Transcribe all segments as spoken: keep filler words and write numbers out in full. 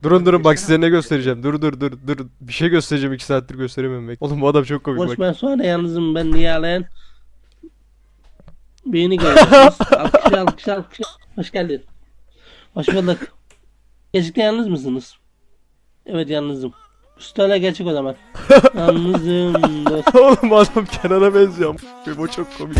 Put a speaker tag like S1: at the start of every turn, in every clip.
S1: Durun durun bak size ne göstereceğim. Dur dur dur dur. Bir şey göstereceğim iki saattir gösteremiyorum bek. Oğlum bu adam çok komik
S2: Boş
S1: bak.
S2: ben sonra yalnızım ben Nihalen. Beni görüyorsunuz. Alkış alkış alkış. Hoş geldin. Hoş bulduk. Gerçekten yalnız mısınız? Evet yalnızım. Üstüne gerçek o zaman. Yalnızım dost.
S1: Oğlum adam Kenan'a benziyor. Bu çok komik.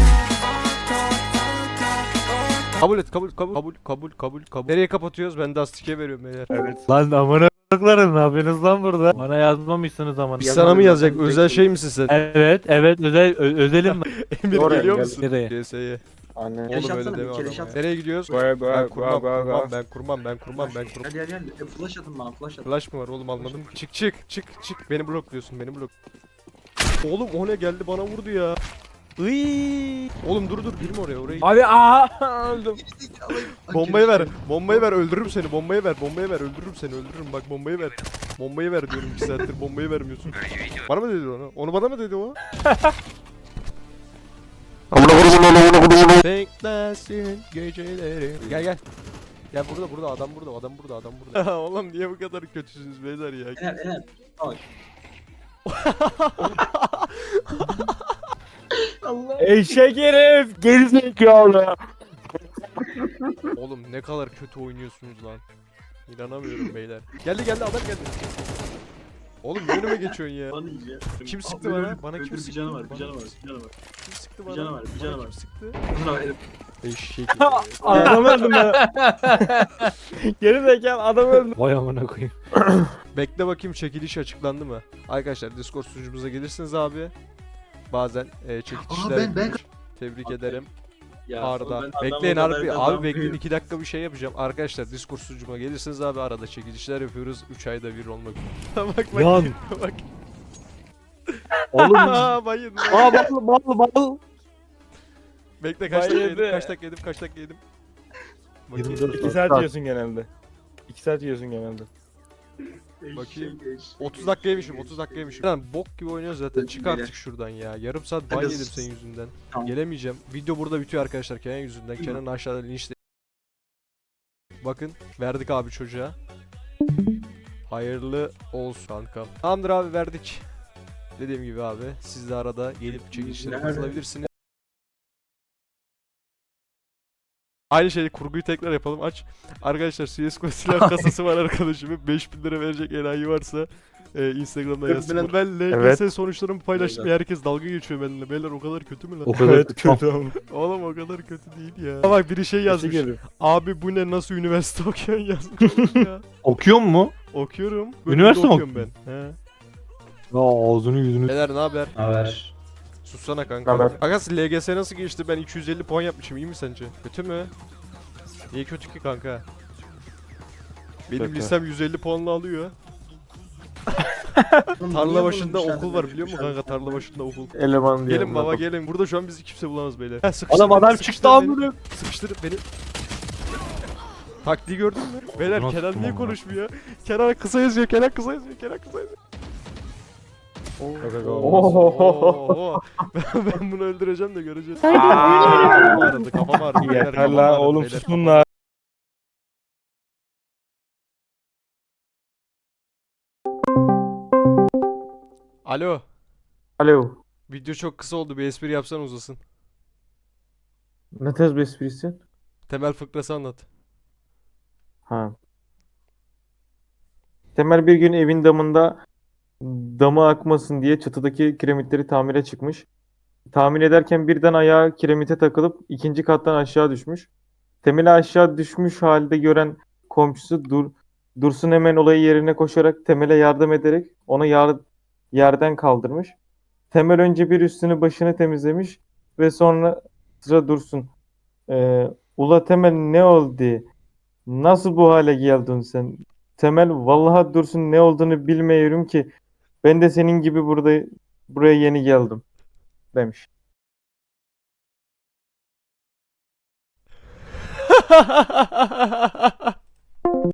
S1: Kabul et kabul kabul kabul kabul kabul kabul. Nereye kapatıyoruz? Ben de astike veriyorum beyler.
S3: Evet. Lan amına koyduklarım ne yapıyorsunuz lan burada? Bana yazmamışsınız ama.
S1: Biz sana mı yazacak? Özel şey misin sen?
S3: Evet evet özel ö- özelim mi?
S1: Emir
S4: Oraya
S1: geliyor
S4: gel.
S1: musun?
S3: Nereye?
S1: C S'ye.
S4: Anne.
S1: Oğlum
S5: Keleş
S1: öyle
S5: atsana,
S1: deme
S5: bir keleş
S1: adama.
S5: at.
S1: Nereye gidiyoruz?
S4: Baya baya
S1: Ben kurmam,
S4: baya
S1: kurmam,
S4: baya.
S1: ben kurmam, ben kurmam, ben kurmam.
S5: Gel gel gel. E, Flash atın bana flash atın.
S1: Flash mı var oğlum anladım. Çık çık çık çık. Beni blokluyorsun, beni blok. Oğlum o ne geldi bana vurdu ya. Iiii. Oğlum dur dur girme oraya orayı.
S3: Abi aa öldüm.
S1: Bombayı ver. Bombayı ver. Öldürürüm seni. Bombayı ver. Bombayı ver. Öldürürüm seni. Öldürürüm. Bak bombayı ver. Bombayı ver diyorum iki saattir. Bombayı vermiyorsun. Bana mı dedi onu? Onu bana mı dedi o? Beklesin geceleri. Gel gel. Gel burada burada adam burada adam burada adam burada. Oğlum niye bu kadar kötüsünüz beyler ya?
S5: Ener Ener. Bak. Allah.
S3: Eşek herif gerizekalı.
S1: Oğlum ne kadar kötü oynuyorsunuz lan. İnanamıyorum beyler. Geldi geldi adam geldi. Oğlum ne önüme geçiyorsun ya?
S5: Bana iyice.
S1: Kim sıktı
S5: Aa,
S1: bana?
S5: öldür,
S1: Bana kim
S5: öldür,
S1: sıktı?
S5: Bir canı var,
S1: Bana
S5: bir canı var,
S1: kim
S5: bir canı var.
S1: Kim sıktı
S5: Bir
S1: bana?
S5: canavar, bir
S1: Bana
S5: canavar.
S1: kim sıktı?
S5: Bana ver.
S1: Eşek.
S3: Adam öldüm ben. Gerizekalı adam öldü. Vay amına koyayım.
S1: Bekle bakayım çekiliş açıklandı mı? Arkadaşlar Discord sunucumuza gelirsiniz abi. Bazen e, çekilişler
S5: Aa, ben- ben-
S1: yapılır. Tebrik
S5: Abi,
S1: ederim.
S5: Ya,
S1: Arda.
S5: ben
S1: Bekleyin
S5: adamla
S1: abi.
S5: nereden
S1: Abi
S5: lan
S1: bekleyin
S5: büyüğüm?
S1: iki dakika bir şey yapacağım. Arkadaşlar Discord sunucuma gelirsiniz abi arada çekilişler yapıyoruz. üç ayda bir olmak. bak bak.
S3: Yan.
S1: bak.
S3: Oğlum.
S1: Aa bayın.
S3: Aa bal bal bal.
S1: Bekle kaç dakika
S3: Bayıldı.
S1: yedim kaç dakika yedim kaç dakika yedim. Bakayım.
S3: yirmi dört İki saat yiyorsun genelde. İki saat yiyorsun genelde.
S1: Bakayım.
S5: Eşek, eşek,
S1: otuz
S5: eşek.
S1: dakika yemişim otuz dakika yemişim. Lan bok gibi oynuyoruz zaten. Çık
S5: Beyler.
S1: artık şuradan ya. Yarım saat ban
S5: Hadi
S1: yedim
S5: sus.
S1: senin yüzünden.
S5: Tamam.
S1: Gelemeyeceğim. Video burada bitiyor arkadaşlar Kenan yüzünden.
S5: Değil
S1: Kenan aşağıda linçle. Bakın verdik abi çocuğa. Hayırlı olsun kankam. Tamamdır abi verdik. Dediğim gibi abi siz de arada gelip çekilişlere
S5: Nerede?
S1: katılabilirsiniz. Aynı şeyi kurguyu tekrar yapalım aç. Arkadaşlar C S G O silah kasası var arkadaşımın. beş bin lira verecek enayi varsa e, Instagram'da yazsın. Ben L G S
S3: Evet.
S1: sonuçlarımı paylaştım ya herkes dalga geçiyor benimle. Beyler o kadar kötü mü lan?
S3: O kadar kötü ama.
S1: Oğlum o kadar kötü değil ya. Bak biri şey yazmış.
S3: Yazmış.
S1: Abi bu ne nasıl üniversite okuyorsun yazmış oğlum ya.
S3: Okuyor mu?
S1: Okuyorum. Bölümde
S3: Üniversite mi
S1: okuyorum ben. He.
S3: Ya ağzını yüzünü.
S1: Beyler ne haber?
S5: Haber.
S1: Sussana kanka.
S4: Haber.
S1: Agas L G S nasıl geçti? Ben iki yüz elli puan yapmışım. İyi mi sence? Kötü mü? Niye kötü ki kanka? Benim
S3: Kötü.
S1: lisem yüz elli puanla alıyor. Tarla başında okul var biliyor musun kanka? Tarla başında okul.
S4: Eleman diye.
S1: Gelin baba gelin. Burada şu an bizi kimse bulamaz beyler. Ha, sıkıştır
S3: Adam
S1: beni,
S3: adam
S1: sıkıştır
S3: çıktı
S1: beni.
S3: amına.
S1: Sıkıştır beni. Taktiği gördün mü? Beyler
S3: Nasıl
S1: Kenan
S3: tuttum
S1: niye
S3: amına?
S1: konuşmuyor? Kenan kısa yazıyor, Kenan kısa yazıyor, Kenan kısa yazıyor. Oo. ben, ben bunu öldüreceğim de göreceğiz. Kafam ağrıdı, kafam ağrıdı. beyler,
S3: Yeter
S1: kafam
S3: la
S1: ağrıdı,
S3: oğlum
S1: beyler,
S3: susun
S1: kafam
S3: la.
S1: Alo.
S4: Alo.
S1: Video çok kısa oldu. Bir espri yapsan uzasın.
S4: Ne tarz bir esprisi?
S1: Temel fıkrası anlat.
S4: Ha. Temel bir gün evin damında damı akmasın diye çatıdaki kiremitleri tamire çıkmış. Tamir ederken birden ayağı kiremite takılıp ikinci kattan aşağı düşmüş. Temel'i aşağı düşmüş halde gören komşusu Dur Dursun hemen olayı yerine koşarak Temel'e yardım ederek onu yar yerden kaldırmış. Temel önce bir üstünü başını temizlemiş ve sonra sıra Dursun. Ee, Ula Temel ne oldu? Nasıl bu hale geldin sen? Temel vallahi Dursun ne olduğunu bilmiyorum ki. Ben de senin gibi burada buraya yeni geldim demiş.